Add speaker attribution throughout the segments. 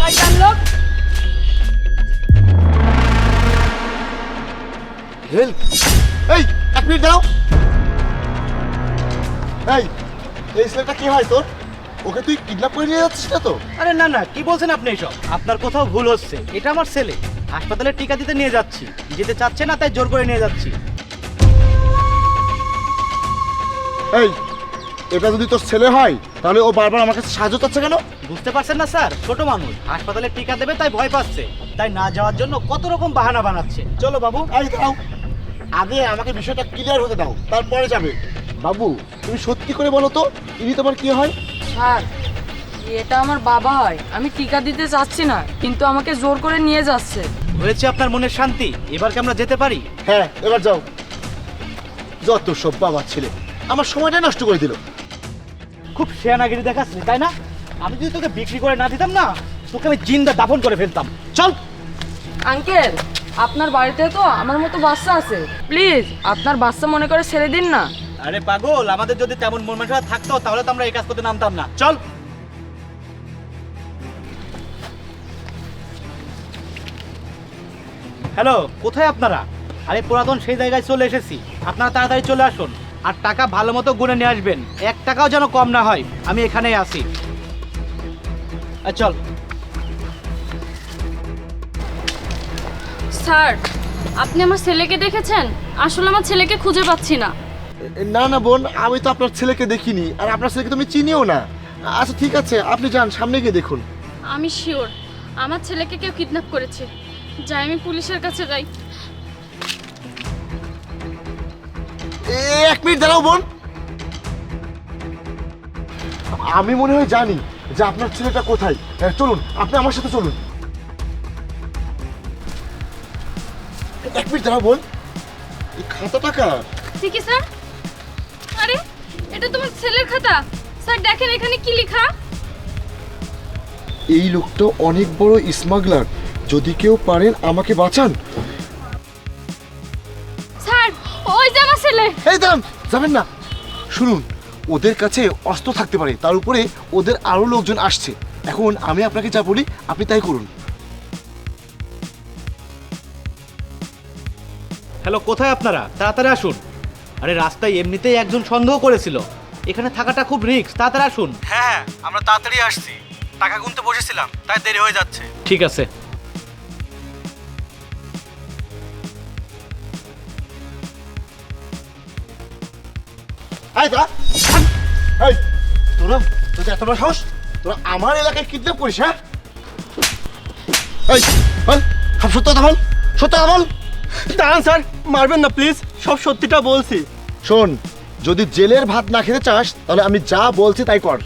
Speaker 1: শয়তান লোক।
Speaker 2: হেল্প! এই এক মিনিট দাও। এই ছেলেটা কি হয় তোর? ওকে তুই কিডন্যাপ করে নিয়ে যাচ্ছিস না তো?
Speaker 3: আরে না না, কি বলছেন আপনি এসব? আপনার কোথাও ভুল হচ্ছে। এটা আমার ছেলে। হাসপাতালে টিকা দিতে নিয়ে যাচ্ছি। যেতে চাচ্ছে না তাই জোর করে নিয়ে যাচ্ছি।
Speaker 2: এই, এটা যদি তোর ছেলে হয় তাহলে ও বারবার আমার কাছে সাহায্য চাচ্ছে কেন?
Speaker 3: বুঝতে পারছেন না স্যার? ছোট মানুষ, হাসপাতালে টিকা দেবে তাই ভয় পাচ্ছে, তাই না যাওয়ার জন্য কত রকম বাহানা বানাচ্ছে। চলো বাবু।
Speaker 2: এই দাও, আগে আমাকে বিষয়টা ক্লিয়ার হতে দাও, তারপরে যাবে। বাবু, তুমি সত্যি করে বলো তো, ইনি তোমার কি হয়?
Speaker 1: স্যার, এটা আমার বাবা হয়। আমি টিকা দিতে চাচ্ছি না, কিন্তু আমাকে জোর করে নিয়ে যাচ্ছে।
Speaker 3: হয়েছে আপনার মনের শান্তি? এবার কি আমরা যেতে পারি?
Speaker 2: হ্যাঁ, এবার যাও। যত সব বাবার ছেলে, আমার সময়টা নষ্ট করে দিল।
Speaker 3: খুব শেয়ানাগিরি দেখাচ্ছিস তাই না? আমি যদি তোকে বিক্রি করে না দিতাম না, তোকে আমি জিন্দা দাফন করে ফেলতাম। চল।
Speaker 1: আঙ্কেল, আপনার বাড়িতে তো আমার মতো বাচ্চা আছে, প্লিজ আপনার বাচ্চা মনে করে ছেড়ে দিন না।
Speaker 3: আরে পাগল, আমাদের যদি তেমন মন মানসিকতা থাকতো তাহলে তো আমরা এই কাজ করতে নামতাম না। চল। হ্যালো, কোথায় আপনারা? আরে পুরাতন সেই জায়গায় চলে এসেছি। আপনারা তাড়াতাড়ি চলে আসুন, আর টাকা ভালো মতো গুনে নিয়ে আসবেন। 1 টাকাও যেন কম না হয়। আমি এখানেই আছি। চল।
Speaker 4: স্যার, আপনি আমার ছেলেকে দেখেছেন? আসলে আমার ছেলেকে খুঁজে পাচ্ছি না।
Speaker 2: না না বোন, আমি তো আপনার ছেলেকে দেখিনি, আর আপনার ছেলেকে তুমি চিনিও না। আচ্ছা ঠিক আছে, আপনি যান, সামনে গিয়ে দেখুন।
Speaker 4: আমি শিওর আমার ছেলেকে কেউ কিডন্যাপ করেছে। যাই, আমি পুলিশের কাছে যাই।
Speaker 2: এক মিনিট দাঁড়াও বোন, আমি মনে হয় জানি যে আপনার ছেলেটা কোথায়। চলুন, আপনি আমার সাথে চলুন। এক মিনিট দাঁড়াও বোন, এই খাতা টাকা।
Speaker 4: ঠিকই স্যার। আরে, এটা তোমার ছেলের খাতা। স্যার দেখেন এখানে কি লেখা।
Speaker 2: এই লোকটা অনেক বড় স্মাগলার, যদি কেউ পারেন আমাকে বাঁচান।
Speaker 4: স্যার, ওই যে আমার ছেলে।
Speaker 2: এই দাম, যাবেন না। শুনুন, ওদের কাছে অস্ত্র থাকতে পারে, তার উপরে ওদের আরো লোকজন আসছে। এখন আমি আপনাকে যা বলি আপনি তাই করুন।
Speaker 3: হ্যালো, কোথায় আপনারা? তাড়াতাড়ি আসুন। আরে রাস্তায় এমনিতেই একজন সন্দেহ করেছিল। এখানে থাকাটা খুব রিস্ক। তাড়াতাড়ি আসুন। হ্যাঁ, আমরা তাড়াতাড়ি আসছি। টাকা গুনতে বসেছিলাম, তাই দেরি হয়ে যাচ্ছে। ঠিক আছে।
Speaker 2: এই দাঁড়া। এই, তোরা তোদের এত বড় সাহস, তোরা আমার এলাকায় কিডন্যাপ করিস? হ্যাঁ, এই বল, সব সত্য কথা বল, সত্য কথা বল।
Speaker 5: দাঁড়ান স্যার, মারবেন না প্লিজ, সব সত্যিটা বলছি।
Speaker 2: শোন, যদি জেলের ভাত না খেতে চাস তাহলে আমি যা বলছি তাই কর।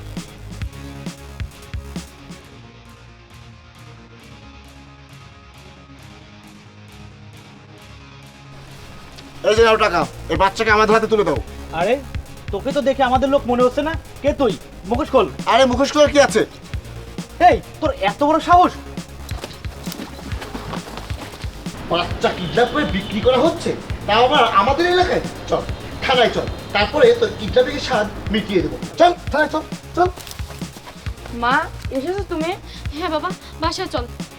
Speaker 2: এই যে নাও টাকা, এই বাচ্চাকে আমাদের হাতে তুলে দাও।
Speaker 3: আরে, তোকে তো দেখে আমাদের লোক মনে হচ্ছে না। কে তুই? মুখোশ খোল।
Speaker 2: আরে মুখোশ করার কি আছে?
Speaker 3: এই, তোর এত বড় সাহস!
Speaker 2: বাচ্চা কিডন্যাপ করে বিক্রি করা হচ্ছে, তাও আবার আমাদের এলাকায়। চল থানায় চল, তারপরে তোর কিডন্যাপিং এর স্বাদ মিটিয়ে দেবো। চল থানায় চল, চল।
Speaker 1: মা, এসেছো তুমি?
Speaker 4: হ্যাঁ বাবা, বাসায় চল।